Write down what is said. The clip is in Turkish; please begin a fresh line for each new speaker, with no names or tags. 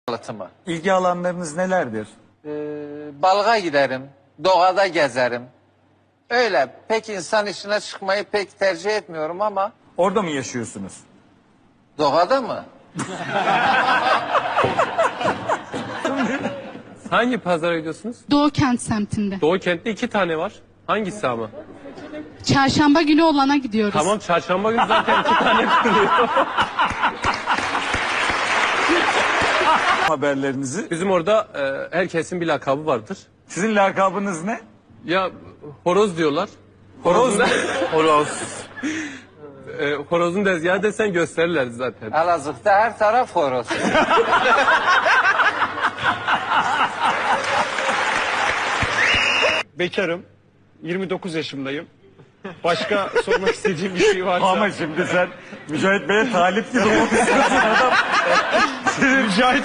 Yalıtımı.
İlgi alanlarınız nelerdir?
Balığa giderim, doğada gezerim. Öyle pek insan içine çıkmayı pek tercih etmiyorum ama
Orada mı yaşıyorsunuz?
doğada mı?
Hangi pazara gidiyorsunuz?
Doğu Kent semtinde.
Doğu kentte 2 tane var. Hangisi ama?
Çarşamba günü olana gidiyoruz.
Tamam, çarşamba günü zaten 2 tane kuruluyor.
Haberlerinizi.
Bizim orada herkesin bir lakabı vardır.
Sizin lakabınız ne?
Ya horoz diyorlar.
Horoz mu?
Horoz. Horozun dezgahı desen gösterirler zaten.
Elazığ'da her taraf horoz.
Bekarım. 29 yaşındayım. Başka sormak istediğim bir şey varsa...
Ama şimdi sen Mücahit Bey'e talip gibi olmuşsun adam.
Mücahit